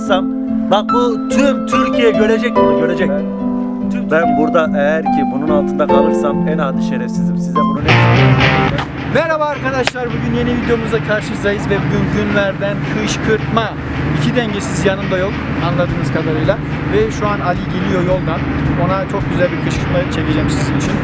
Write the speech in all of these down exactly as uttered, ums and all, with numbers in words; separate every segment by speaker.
Speaker 1: kalırsam bak bu tüm Türkiye görecek bunu görecek. Ben, ben burada eğer ki bunun altında kalırsam en adi şerefsizim. Size bunu ne
Speaker 2: Merhaba arkadaşlar, bugün yeni videomuzla karşınızdayız ve bugün günlerden kışkırtma. İki dengesiz yanımda yok anladığınız kadarıyla ve şu an Ali geliyor yoldan. Ona çok güzel bir kışkırtma çekeceğim sizin için.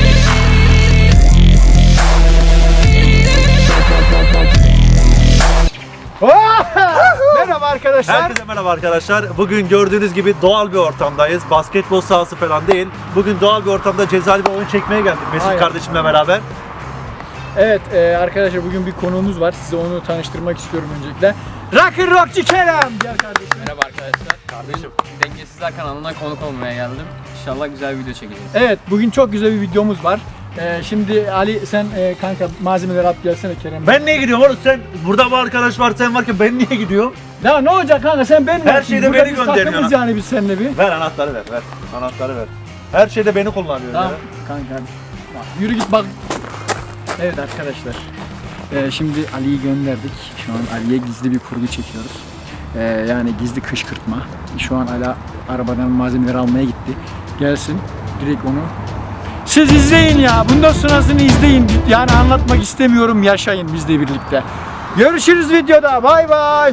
Speaker 2: Merhaba arkadaşlar.
Speaker 1: Herkese merhaba arkadaşlar. Bugün gördüğünüz gibi doğal bir ortamdayız. Basketbol sahası falan değil. Bugün doğal bir ortamda cezalı bir oyun çekmeye geldik Mesut
Speaker 2: Aynen.
Speaker 1: kardeşimle beraber.
Speaker 2: Evet e, arkadaşlar, bugün bir konuğumuz var. Size onu tanıştırmak istiyorum öncelikle. Rock'n'Rockçı Kerem. Gel kardeşim.
Speaker 3: Merhaba arkadaşlar. Kardeşim. Dengesizler kanalına konuk olmaya geldim. İnşallah güzel bir video çekeceğiz.
Speaker 2: Evet, bugün çok güzel bir videomuz var. Ee, şimdi Ali sen e, kanka malzemeleri at gelsene Kerem.
Speaker 1: Ben niye gidiyorum oğlum? Sen burada bu arkadaş var, sen varken ben niye gidiyorum?
Speaker 2: Ya ne olacak kanka, sen benim
Speaker 1: Her şeyde beni gönderiyorsun.
Speaker 2: Takımız yani biz seninle bir.
Speaker 1: Ver anahtarı ver, ver. Anahtarı ver. Her şeyde beni kullanıyor
Speaker 2: Tamam
Speaker 1: ya.
Speaker 2: kanka hadi. Bak, yürü git bak. Evet arkadaşlar. Ee, şimdi Ali'yi gönderdik. Şu an Ali'ye gizli bir kurgu çekiyoruz. Ee, yani gizli kışkırtma. Şu an Ali arabadan malzemeleri almaya gitti. Gelsin direkt onu. Siz izleyin ya. Bundan sonrasını izleyin. Yani anlatmak istemiyorum. Yaşayın bizle birlikte. Görüşürüz videoda. Bay bay.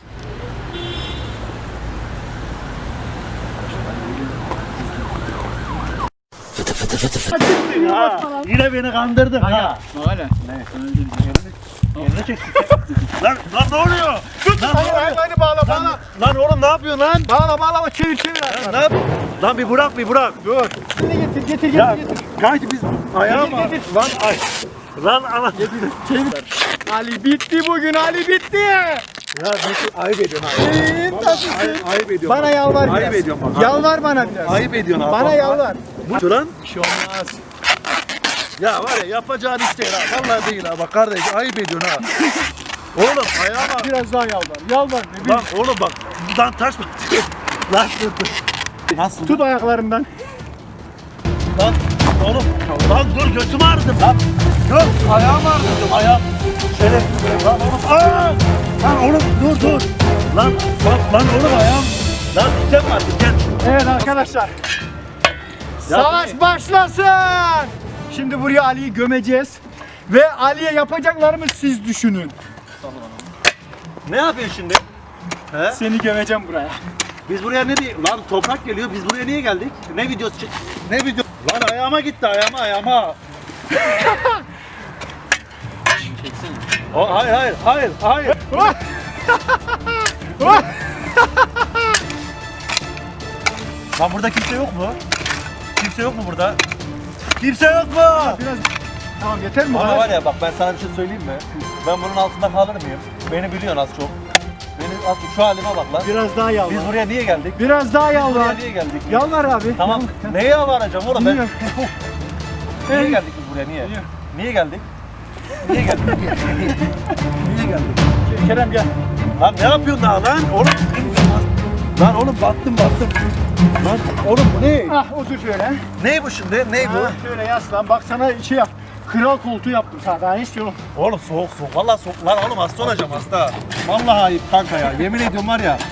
Speaker 1: Ha, yine beni kandırdın ha.
Speaker 2: Öyle.
Speaker 1: Yerine çeksin. Lan, lan ne oluyor? Lan, ne oluyor?
Speaker 2: Hadi bağla bağla.
Speaker 1: Lan oğlum ne yapıyorsun lan?
Speaker 2: Bağla bağla çevir çevir.
Speaker 1: Ne yap? Lan bir bırak bir bırak. Dur.
Speaker 2: Getir getir getir
Speaker 1: Ya
Speaker 2: getir.
Speaker 1: kanki biz ayağa mı?
Speaker 2: Getir, getir.
Speaker 1: Lan ay. Lan ana.
Speaker 2: Çevir. Ali bitti bugün, Ali bitti.
Speaker 1: Ya Mesut ayıp ediyorsun abi.
Speaker 2: Ee, tabii
Speaker 1: Ayıp,
Speaker 2: ki.
Speaker 1: ayıp ediyorsun.
Speaker 2: Bana
Speaker 1: bak.
Speaker 2: yalvar biraz.
Speaker 1: Ayıp ediyorsun bak.
Speaker 2: Yalvar bana biraz.
Speaker 1: Ayıp ediyorsun abi.
Speaker 2: Bana
Speaker 1: bak.
Speaker 2: yalvar.
Speaker 1: Bu lan.
Speaker 2: Bir şey olmaz.
Speaker 1: Ya var ya yapacağın iş değil ha. Vallahi değil ha. Bak kardeş ayıp ediyorsun ha. Oğlum ayağıma.
Speaker 2: Biraz daha yalvar. Yalvar. Ne
Speaker 1: Lan oğlum bak. Lan taş mı? Lan dur dur. Nasıl?
Speaker 2: Tut ayaklarımdan.
Speaker 1: Lan oğlum. Lan dur götüm ağrıdı lan. Dur ayağım ağrıdı ayağım. Şöyle. Lan oğlum. Aa! Lan oğlum dur dur. Lan bak lan oğlum ayağım. Lan diken var diken.
Speaker 2: Evet arkadaşlar. Savaş başlasın. Şimdi buraya Ali'yi gömeceğiz. Ve Ali'ye yapacaklarımı siz düşünün.
Speaker 1: Ne yapıyorsun şimdi? He?
Speaker 2: Seni gömeceğim buraya.
Speaker 1: Biz buraya ne diye? Lan toprak geliyor. Biz buraya niye geldik? Ne videosu çek? Ne video? Lan ayağıma gitti ayağıma ayağıma.
Speaker 3: Çeksene.
Speaker 1: O hayır hayır hayır hayır. Lan burada kimse yok mu? Kimse yok mu burada? Kimse yok mu?
Speaker 2: Biraz... Tamam yeter mi?
Speaker 1: Ama var ya bak ben sana bir şey söyleyeyim mi? Ben bunun altında kalır mıyım? Beni biliyorsun az çok. Beni az çok şu halime bak lan.
Speaker 2: Biraz daha yalvar.
Speaker 1: Biz buraya niye geldik?
Speaker 2: Biraz daha
Speaker 1: Buraya
Speaker 2: yalvar.
Speaker 1: niye geldik?
Speaker 2: Yalvar abi.
Speaker 1: Tamam.
Speaker 2: Yalvar.
Speaker 1: Neye yalvaracağım oğlum ben?
Speaker 2: Bilmiyorum.
Speaker 1: Niye
Speaker 2: Evet.
Speaker 1: geldik biz buraya niye?
Speaker 2: Bilmiyorum.
Speaker 1: Niye geldik? Niye geldik? Niye geldik?
Speaker 2: Kerem gel.
Speaker 1: Lan ne yapıyorsun daha lan? Oğlum lan oğlum battım battım. Lan oğlum bu ne?
Speaker 2: Ah otur şöyle.
Speaker 1: Ne bu şimdi? Ne bu?
Speaker 2: Ha, şöyle yaslan. Bak sana şey yap. Kral koltuğu yaptım sana. Daha ne istiyorum?
Speaker 1: Oğlum soğuk soğuk. Vallahi soğuk. Lan oğlum hasta olacağım hasta. Vallahi ayıp kanka ya. Yemin ediyorum var ya.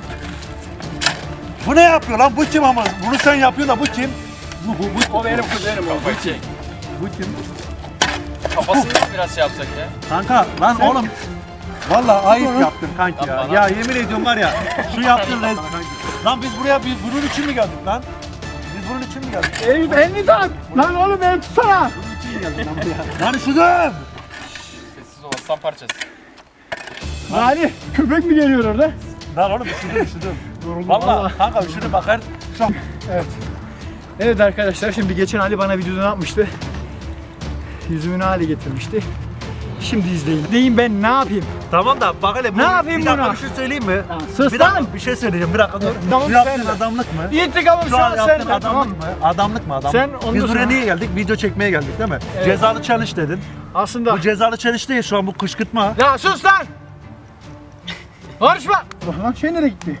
Speaker 1: Bu ne yapıyor lan? Bu kim ama? Bunu sen yapıyorsun da bu kim? Bu bu bu.
Speaker 2: O benim kuzenim o.
Speaker 3: Kafayı çek.
Speaker 1: Bu kim?
Speaker 3: Kafasını biraz şey yapsak ya.
Speaker 1: Kanka lan
Speaker 2: Sen-
Speaker 1: oğlum. Vallahi ayıp yaptın kanki ya.
Speaker 3: Yapma lan.
Speaker 1: Ya yemin ediyorum var ya. Şu yaptığın rez... Lan biz buraya biz bunun için mi geldik lan? Biz bunun için mi geldik?
Speaker 2: Elini, elini tak. Lan oğlum beni tutsana.
Speaker 1: Bunun için mi geldik lan buraya? Lan üşüdüm.
Speaker 3: Sessiz ol, aslan parçası.
Speaker 2: Yani köpek mi geliyor orada?
Speaker 1: Lan oğlum üşüdüm üşüdüm.
Speaker 2: Yoruldum
Speaker 1: Vallahi kanka üşüdüm bak her... Şu an...
Speaker 2: Evet. Evet arkadaşlar, şimdi geçen Ali bana videoda ne yapmıştı? Yüzümün hale getirmişti. Şimdi izleyin. Deyin ben ne yapayım?
Speaker 1: Tamam da bak hele bu-
Speaker 2: Ne yapayım
Speaker 1: bir dakika
Speaker 2: buna?
Speaker 1: bir şey söyleyeyim mi?
Speaker 2: Ha, sus
Speaker 1: bir dakika
Speaker 2: lan!
Speaker 1: bir şey söyleyeceğim bir dakika dur.
Speaker 2: Tamam,
Speaker 1: Şu yaptığın
Speaker 2: söyle.
Speaker 1: adamlık mı?
Speaker 2: İntikamım
Speaker 1: Şu
Speaker 2: şu
Speaker 1: an
Speaker 2: an
Speaker 1: yaptığın
Speaker 2: sende, tamam
Speaker 1: adamlık
Speaker 2: mı?
Speaker 1: mı? Adamlık mı adamlık?
Speaker 2: Sen ondan
Speaker 1: Biz buraya
Speaker 2: sonra-
Speaker 1: niye geldik? Video çekmeye geldik değil mi?
Speaker 2: Evet.
Speaker 1: Cezalı challenge dedin.
Speaker 2: Aslında...
Speaker 1: Bu cezalı challenge değil şu an bu kışkırtma.
Speaker 2: Ya sus lan! Konuşma! Lan şey nereye gitti?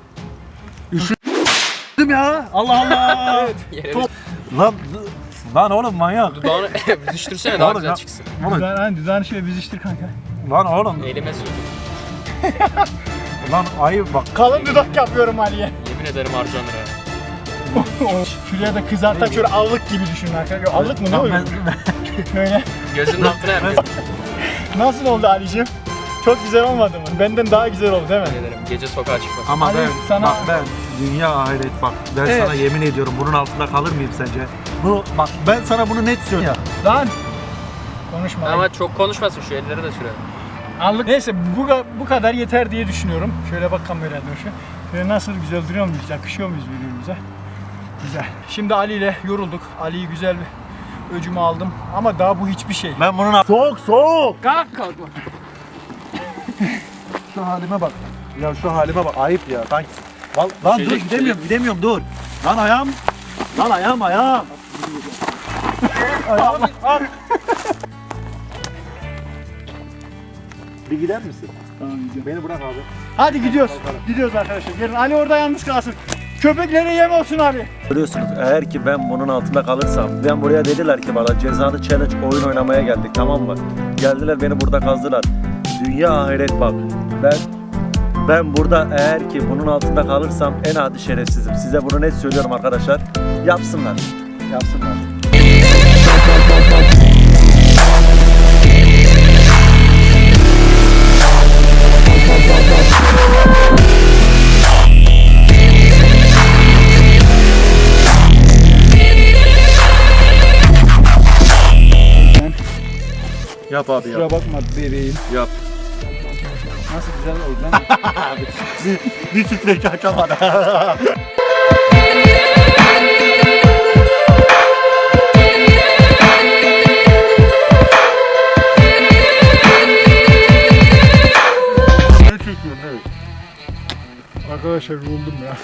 Speaker 1: Değil mi ya? Allah Allah.
Speaker 3: Yere
Speaker 1: Top. Lan lan oğlum manyak.
Speaker 3: Dudağını büzüştürsene daha
Speaker 1: Oğlum
Speaker 3: güzel
Speaker 1: ya.
Speaker 3: çıksın.
Speaker 1: Oğlum,
Speaker 2: Düzen, hani düzen şey biziştir kanka.
Speaker 1: lan oğlum.
Speaker 3: Elime sür.
Speaker 1: Lan ayıp bak.
Speaker 2: Kalın dudak yapıyorum Ali'ye.
Speaker 3: Yemin ederim harcanır ha.
Speaker 2: Şuraya da kızartak şöyle allık gibi düşünün arkadaşlar. Allık mı ne
Speaker 1: Lan
Speaker 2: oluyor?
Speaker 1: ben-
Speaker 2: Böyle.
Speaker 3: Gözünün altına yapıyor.
Speaker 2: Nasıl oldu Ali'cim? Çok güzel olmadı mı? Benden daha güzel oldu değil mi?
Speaker 3: Yemin ederim gece sokağa çıkmasın.
Speaker 1: Ama
Speaker 2: Ali,
Speaker 1: ben
Speaker 2: sana-
Speaker 1: bak ben dünya ahiret bak ben
Speaker 2: Evet.
Speaker 1: sana yemin ediyorum bunun altında kalır mıyım sence? Bu bak ben sana bunu net söylüyorum.
Speaker 2: Lan! Konuşma.
Speaker 3: Ama çok konuşmasın, şu elleri de sürelim.
Speaker 2: Anlık. Neyse bu, bu kadar yeter diye düşünüyorum. Şöyle bak kameraya doğru. Şöyle nasıl güzel duruyor muyuz? Yakışıyor muyuz birbirimize? Güzel. Şimdi Ali ile yorulduk. Ali'yi güzel bir öcümü aldım. Ama daha bu hiçbir şey.
Speaker 1: Ben bunun alt- soğuk soğuk.
Speaker 2: Kalk kalkma.
Speaker 1: Şu halime bak. Ya şu halime bak ayıp ya. Sanki. Lan, lan dur
Speaker 3: Düşecek,
Speaker 1: gidemiyorum gidemiyorum dur. Lan ayağım. Lan ayağım ayağım. ayağım. Al. Bir gider misin?
Speaker 2: Tamam gidiyorum.
Speaker 1: Beni bırak abi.
Speaker 2: Hadi gidiyoruz. Gidiyoruz arkadaşlar. Gelin Ali orada yalnız kalsın. Köpeklere yem olsun Ali.
Speaker 1: Görüyorsunuz eğer ki ben bunun altında kalırsam, ben buraya dediler ki bana cezalı challenge oyun oynamaya geldik, tamam mı? Geldiler beni burada kazdılar. Dünya ahiret bak. Ben ben burada eğer ki bunun altında kalırsam en adi şerefsizim. Size bunu net söylüyorum arkadaşlar. Yapsınlar. Yapsınlar. Yap abi
Speaker 2: Kusura bakma bebeğim.
Speaker 1: Yap.
Speaker 2: Nasıl güzel oldu lan?
Speaker 1: bir, bir titrek açamadı.
Speaker 2: Arkadaşlar yoruldum ya.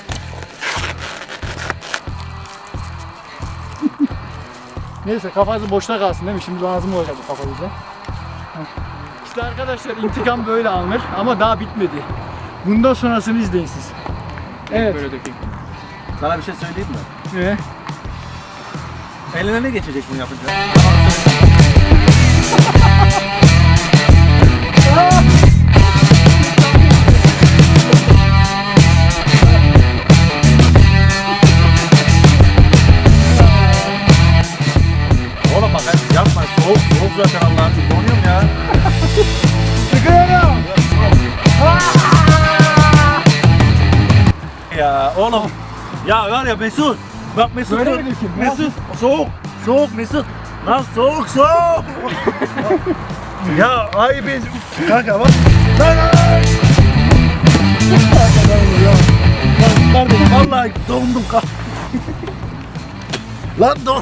Speaker 2: Neyse kafası boşta kalsın değil mi? Şimdi lazım olacak bu kafa bize. İşte arkadaşlar intikam böyle alınır ama daha bitmedi. Bundan sonrasını izleyin siz. Evet.
Speaker 3: Böyle dökeyim.
Speaker 1: Sana bir şey söyleyeyim mi?
Speaker 2: Ne?
Speaker 1: Eline ne geçecek bunu yapınca? Oğlum bak hadi yapma. Soğuk soğuk zaten Allah'ım. Donuyorum ya.
Speaker 2: Çıkıyorum.
Speaker 1: Ya oğlum. Ya var ya Mesut. Bak Mesut.
Speaker 2: Böyle
Speaker 1: dur.
Speaker 2: mi dökeyim?
Speaker 1: Mesut. Soğuk. Soğuk Mesut. Lan soğuk soğuk. ya ay biz. Kanka bak. Lan lan. Lan kardeşim vallahi dondum kal. Lan don.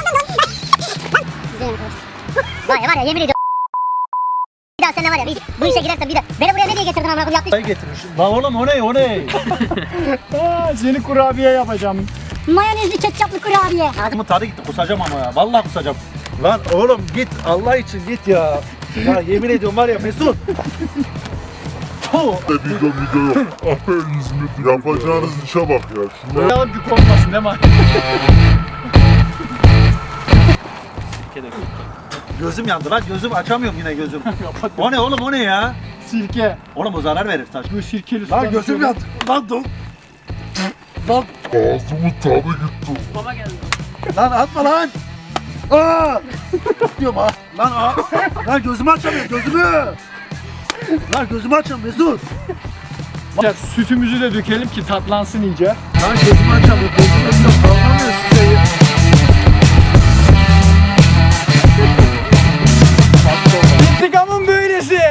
Speaker 4: Var ya var ya yemin ediyorum. Bir daha seninle var ya bir, bu işe girersen bir de beni buraya ne diye getirdin amına koyayım yaptın.
Speaker 1: Ay getirmiş. Lan oğlum o ne o ne?
Speaker 2: Aa, seni kurabiye yapacağım.
Speaker 4: Mayonezli ketçaplı kurabiye.
Speaker 1: Ağzımın tadı gitti kusacağım ama ya. Vallahi kusacağım. Lan oğlum git Allah için git ya. Ya yemin ediyorum var ya Mesut. Oh.
Speaker 5: Video video yok. Aha İzmit. Yapacağınız işe bak ya. Şuna
Speaker 2: Bakalım ki korkmasın değil mi?
Speaker 3: Sirke dökeyim.
Speaker 1: Gözüm yandı lan gözüm açamıyorum yine gözüm. O ne oğlum o ne ya?
Speaker 2: Sirke.
Speaker 1: Oğlum o zarar verir taş.
Speaker 2: Bu sirkeli
Speaker 1: Lan
Speaker 2: sudan
Speaker 1: gözüm
Speaker 2: şöyle-
Speaker 1: yandı. Lan dur. Lan,
Speaker 5: ağzımın tadı gitti.
Speaker 3: Baba geldi.
Speaker 1: lan atma lan. Aa! Diyorum ha. Lan aa. Lan gözümü açamıyorum gözümü. Lan gözümü açamıyorum Mesut.
Speaker 2: Ya, sütümüzü de dökelim ki tatlansın iyice.
Speaker 1: Lan gözümü açamıyorum gözümü açamıyorum. Kalkamıyorum size.
Speaker 2: İntikamın böylesi.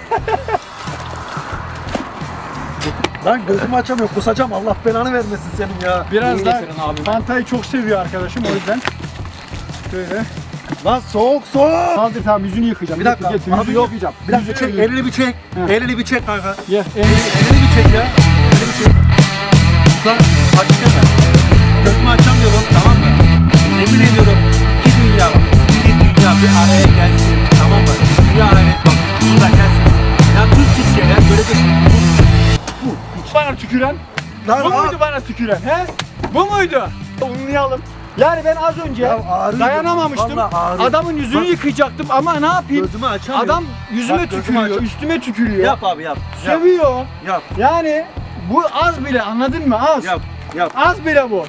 Speaker 1: Lan gözümü açamıyorum kusacağım Allah belanı vermesin senin ya.
Speaker 2: Biraz
Speaker 3: İyi
Speaker 2: da
Speaker 3: getirin abi.
Speaker 2: Fanta'yı çok seviyor arkadaşım o yüzden. Şöyle.
Speaker 1: Lan soğuk soğuk.
Speaker 2: Kaldır tamam yüzünü yıkayacağım.
Speaker 1: Bir dakika
Speaker 2: Getir, getir,
Speaker 1: abi
Speaker 2: yüzünü
Speaker 1: yok.
Speaker 2: yıkayacağım.
Speaker 1: Bir dakika
Speaker 2: Yüzünü
Speaker 1: çek
Speaker 2: yıkayacağım.
Speaker 1: elini bir çek.
Speaker 2: He.
Speaker 1: Elini bir çek kanka.
Speaker 2: Ye,
Speaker 1: Elini,
Speaker 2: elini-
Speaker 1: elini bir çek ya. Elini bir çek. Lan açsana. Gözümü açamıyorum tamam mı? Emin ediyorum. İki dünya bak. İki dünya bir araya gelsin. Tamam mı? Dünya araya bak. Burada gelsin. Ya tuz Türkiye ya. Böyle bir...
Speaker 2: Bana tüküren.
Speaker 1: Lan
Speaker 2: Bu
Speaker 1: aa.
Speaker 2: muydu bana tüküren he? Bu muydu? Unlayalım. Yani ben az önce
Speaker 1: Ya ağrıyor.
Speaker 2: dayanamamıştım.
Speaker 1: Vallahi ağrıyor.
Speaker 2: Adamın yüzünü
Speaker 1: Bak.
Speaker 2: yıkayacaktım ama ne yapayım?
Speaker 1: Gözümü açamıyorum.
Speaker 2: Adam yüzüme
Speaker 1: Bak, gözümü
Speaker 2: tükürüyor,
Speaker 1: açam-
Speaker 2: üstüme tükürüyor.
Speaker 1: Yap abi yap. Yap.
Speaker 2: Sövüyor.
Speaker 1: Yap.
Speaker 2: Yani bu az bile, anladın mı? Az.
Speaker 1: Yap. Yap.
Speaker 2: Az bile bu.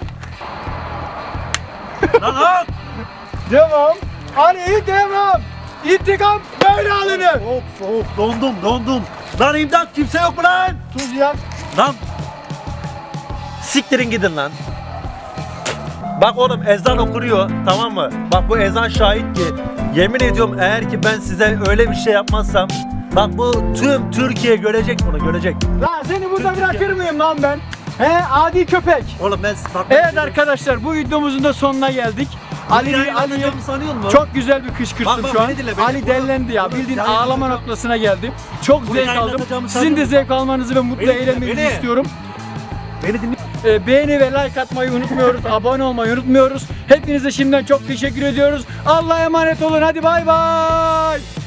Speaker 1: Lan lan.
Speaker 2: Devam. Ali devam. İntikam böyle alınır.
Speaker 1: Soğuk soğuk dondum dondum. Lan imdat kimse yok mu lan?
Speaker 2: Tuz yak.
Speaker 1: Lan. Siktirin gidin lan. Bak oğlum ezan okunuyor, tamam mı? Bak bu ezan şahit ki yemin ediyorum eğer ki ben size öyle bir şey yapmazsam bak bu tüm Türkiye görecek bunu görecek.
Speaker 2: Lan seni burada
Speaker 1: Tüm
Speaker 2: bırakır
Speaker 1: Türkiye-
Speaker 2: mıyım lan ben? He, adi köpek.
Speaker 1: Oğlum ben bak,
Speaker 2: Evet arkadaşlar, bu videomuzun da sonuna geldik. Ali Ali
Speaker 1: sanıyor musun?
Speaker 2: çok güzel bir kışkırttım
Speaker 1: Bak, bak,
Speaker 2: şu an.
Speaker 1: beni dinle, beni-
Speaker 2: Ali dellendi ya.
Speaker 1: Bunu
Speaker 2: Bildiğin
Speaker 1: yayınlatacağım.
Speaker 2: ağlama noktasına geldim. Çok
Speaker 1: Bunu
Speaker 2: zevk aldım.
Speaker 1: yayınlatacağımı
Speaker 2: Sizin de
Speaker 1: sanıyorum.
Speaker 2: zevk almanızı ve mutlu
Speaker 1: Beni dinle,
Speaker 2: eğlenmenizi
Speaker 1: beni.
Speaker 2: istiyorum.
Speaker 1: Beni dinle.
Speaker 2: Ee, beğeni ve like atmayı unutmuyoruz. Abone olmayı unutmuyoruz. Hepinize şimdiden çok teşekkür ediyoruz. Allah'a emanet olun. Hadi bay bay.